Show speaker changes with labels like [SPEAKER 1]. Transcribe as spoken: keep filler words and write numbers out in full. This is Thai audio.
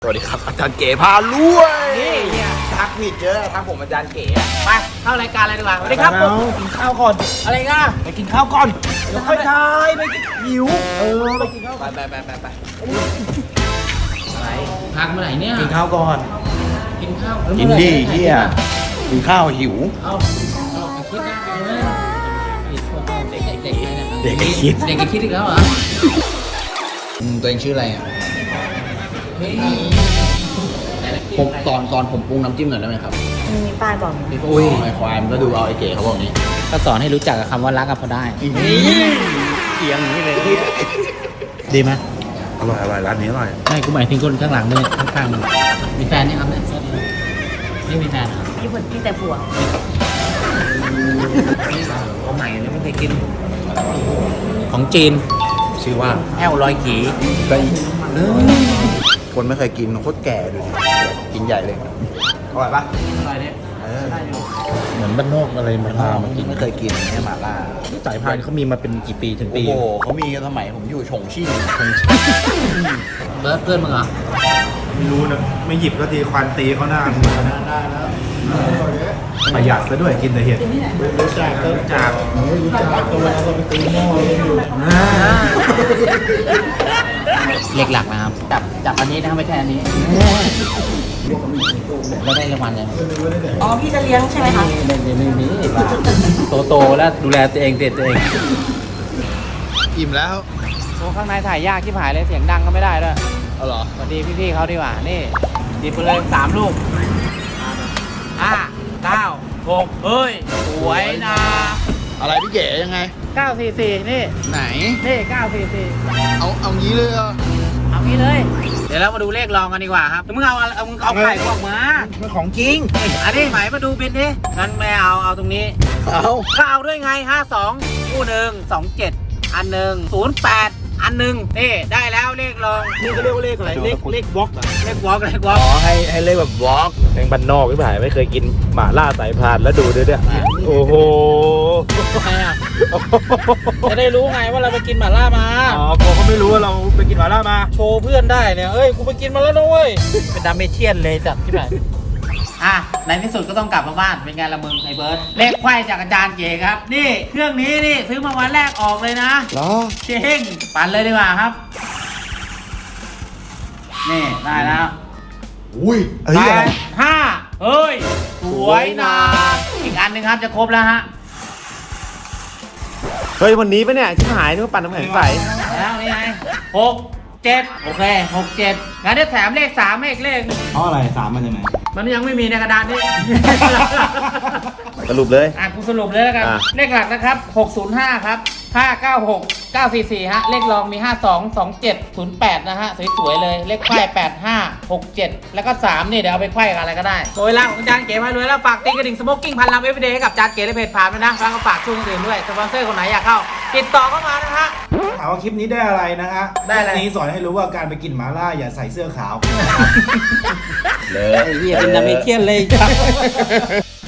[SPEAKER 1] สวัสดีครับอาจารย์เก๋พาลุย
[SPEAKER 2] นี่เนี่ย
[SPEAKER 1] ทักผิดเยอะทักผมอาจารย์เก๋
[SPEAKER 2] ไปเข้ารายการเลยดีกว่าสวัสดีครับผมกินข้าวก่อนอะไรง่ะไปกินข้าวก่อนเดี๋ยวค่อยทายไปหิวเออไปกินข้าว
[SPEAKER 1] ไปไปไปไปไป
[SPEAKER 2] อะไรพักเมื่อไหร่เนี่ย
[SPEAKER 3] กินข้าวก่อน
[SPEAKER 2] กินข้าว
[SPEAKER 3] กินดิเฮียกินข้าวหิว
[SPEAKER 2] เอาเอาไปคิดนะเอาเลยเด็กเด็กเด็ก
[SPEAKER 3] เด็กไอ้คิด
[SPEAKER 2] เด็กไอ้คิดอีกแล้วเหรอ
[SPEAKER 1] อืมตัวเองชื่ออะไรอ่ะ
[SPEAKER 2] เฮ้ย
[SPEAKER 1] ผมตอนตอนผมปรุงน้ำจิ้มหน่อยได้ไหมครับ
[SPEAKER 4] มีป้ายบอกอยู่
[SPEAKER 1] อุ้ยไอควายมันก็ดูเอาไอเก๋เขาบอกนี้
[SPEAKER 2] ก็สอนให้รู้จักกับคำว่ารักกับพอได้
[SPEAKER 3] เสียงอย่างนี้เลย
[SPEAKER 2] ดีไหม
[SPEAKER 3] อร่อยอร่อยร้านนี้อร่อย
[SPEAKER 2] ไม่กูหมายถึงคนข้างหลังด้วยข้างๆมีแฟนนี่ครับเนี่ยนี่มีแฟนเหรอ
[SPEAKER 4] มีผลมีแต่ผัว
[SPEAKER 2] ของใหม่เนี่ยไม่เคยกิน ของจีน
[SPEAKER 3] ชื่อว่า
[SPEAKER 2] แอลลอยกี
[SPEAKER 3] ไก่คนไม่เคยกินโคตรแก่ดูดิกินใหญ่เลยอร่อยปะ
[SPEAKER 2] อะไรเนี่ย
[SPEAKER 3] เออ
[SPEAKER 5] เหมือนบ้านนอกอะไรมาล่ามากิน
[SPEAKER 3] ไม่เคยกินเนี่ยหม่าล่า
[SPEAKER 5] สายพานเขามีมาเป็นกี่ปีถึง
[SPEAKER 3] โอ้
[SPEAKER 5] ปี
[SPEAKER 3] โหเขามีกันสมัยผมอยู่ฉงชิ่ง
[SPEAKER 2] เบิร์ดเพื่อนมึงเหรอ
[SPEAKER 5] ไม่รู้นะไม่หยิบก็ทีควันตีเขาหน้าได้แล้วประหยัดซะด้วยกินแต่เห็ดรู้จักรู้จักรู้จักตัวแล้วก็ไปตีหม้อเลยอยู่
[SPEAKER 2] เล็กหลักนะครับ จับจับอันนี้นะครับไม่ใช่อันนี้แล้วได้รางวัลยัง
[SPEAKER 4] อ๋อ พี่จะเลี้ยงใช่ไหมคะ
[SPEAKER 2] ไม่ไม่ไม่มีโตโตแล้วดูแลตัวเองเด็ดตัวเอง
[SPEAKER 1] อิ่มแล้ว
[SPEAKER 2] โอ้ข้างในถ่ายยากที่หายเลยเสียงดังก็ไม่ได้ด้วย
[SPEAKER 1] เอาเหรอ
[SPEAKER 2] สวัสดีพี่ๆเขาดีกว่านี่ดีไปเลยสามลูกห้าเก้าหกเฮ้ยสวยนะ
[SPEAKER 1] อะไรพี่เก๋ยังไง
[SPEAKER 2] เก้าสี่สี่นี่
[SPEAKER 1] ไหน
[SPEAKER 2] นี่เก้าสี่สี่
[SPEAKER 1] เอาเอางี้เลยเหรอ
[SPEAKER 2] เอางี้เลย เดี๋ยวเรามาดูเลขรองกันดีกว่าครับมึงเอาเอามึงเอาไข่พวกมา
[SPEAKER 3] มันของจริง
[SPEAKER 2] อันนี้หมายมาดูบินดิงั้นไม่เอาเอาตรงนี้
[SPEAKER 1] เอา
[SPEAKER 2] ก็เอาด้วยไงห้าสองคู่หนึ่งสองเจ็ดอันหนึ่งศูนย์แปดอันหนึ่งนี่ได้แล้วเลขรอง
[SPEAKER 5] นี่เขาเรียกว่าเลขอะไรเลขเลขบล็อกอ่ะ
[SPEAKER 2] เลขวอล์กเลขวอล์
[SPEAKER 1] อ๋
[SPEAKER 2] ก
[SPEAKER 1] อให้ให้เลขแบบบล็อก
[SPEAKER 5] แม่งบ้านนอกพี่ผายไม่เคยกินหม่าล่าสายพานแล้วดูด้วยเนี่ยโอ้โห
[SPEAKER 2] ทำไมอ่ะจะได้รู้ไงว่าเราไปกินหม่าล่ามา
[SPEAKER 5] อ๋อพอเขาไม่รู้ว่าเราไปกินหม่าล่ามา
[SPEAKER 2] โชว์เพื่อนได้เนี่ยเอ้ยกูไปกินมาแล้วนะเว้ยเป็นดาเมเชียนเลยจัดที่ไหนอ่ะในที่สุดก็ต้องกลับมาบ้านเป็นไงละมึงไอ้เบิร์ดเลขไขว้จากอาจารย์เก๋ครับนี่เครื่องนี้นี่ซื้อมาวันแรกออกเลยนะ
[SPEAKER 3] เหรอ
[SPEAKER 2] เจ๊งปั่นเลยดีกว่าครับ นี่ได้แล้ว
[SPEAKER 3] อุ้ยเฮ้ย
[SPEAKER 2] แป
[SPEAKER 3] อะไร
[SPEAKER 2] ดห้าเฮ้ย สวยนะอีกอันหนึ่งครับจะครบแล้วฮะ
[SPEAKER 5] เฮ้ยวันนี้ปะเนี่ยชิบหายนึกว่าปั่นน้ำแข็งใส
[SPEAKER 2] แล้วนี่ไงหกเจ็ดโอเคหกเจ็ดงั้นได้แถมเลขสามให้อีกเลข
[SPEAKER 5] เพราะอะไรสามมันยังไง
[SPEAKER 2] มันยังไม่มีในกระดานนี่
[SPEAKER 5] สรุปเลย
[SPEAKER 2] อ่ะกูสรุปเลยแล้วกัน
[SPEAKER 5] อ่ะ
[SPEAKER 2] เลขหลักนะครับหกศูนย์ห้าครับห้าเก้าหก เก้าสี่สี่ ฮะ เลขรองมีห้าสอง สองเจ็ด ศูนย์แปด นะฮะ สวยๆเลย เลขไขว้แปดห้า หกเจ็ด แล้วก็สามนี่เดี๋ยวเอาไปไขว้กับอะไรก็ได้โดยล่างของจานเก๋มารวยแล้วฝากติ๊กกระดิ่งสโมกกิ้งพันลำเอฟเดย์ให้กับจานเก๋ในเพจผ่านด้วยนะแล้วก็ฝากช่วงอื่นด้วยสปอนเซอร์คนไหนอยากเข้าติดต่อเข้ามานะฮะ
[SPEAKER 5] ถามว่าคลิปนี้ได้อะไรนะฮะ
[SPEAKER 2] ได้อะไร
[SPEAKER 5] คลิปนี้สอนให้รู้ว่าการไปกินหม่าล่าอย่าใส่เสื้อขาว
[SPEAKER 3] เลย
[SPEAKER 2] ไอ้เหี้ยเป็นดาเมเจียนเลย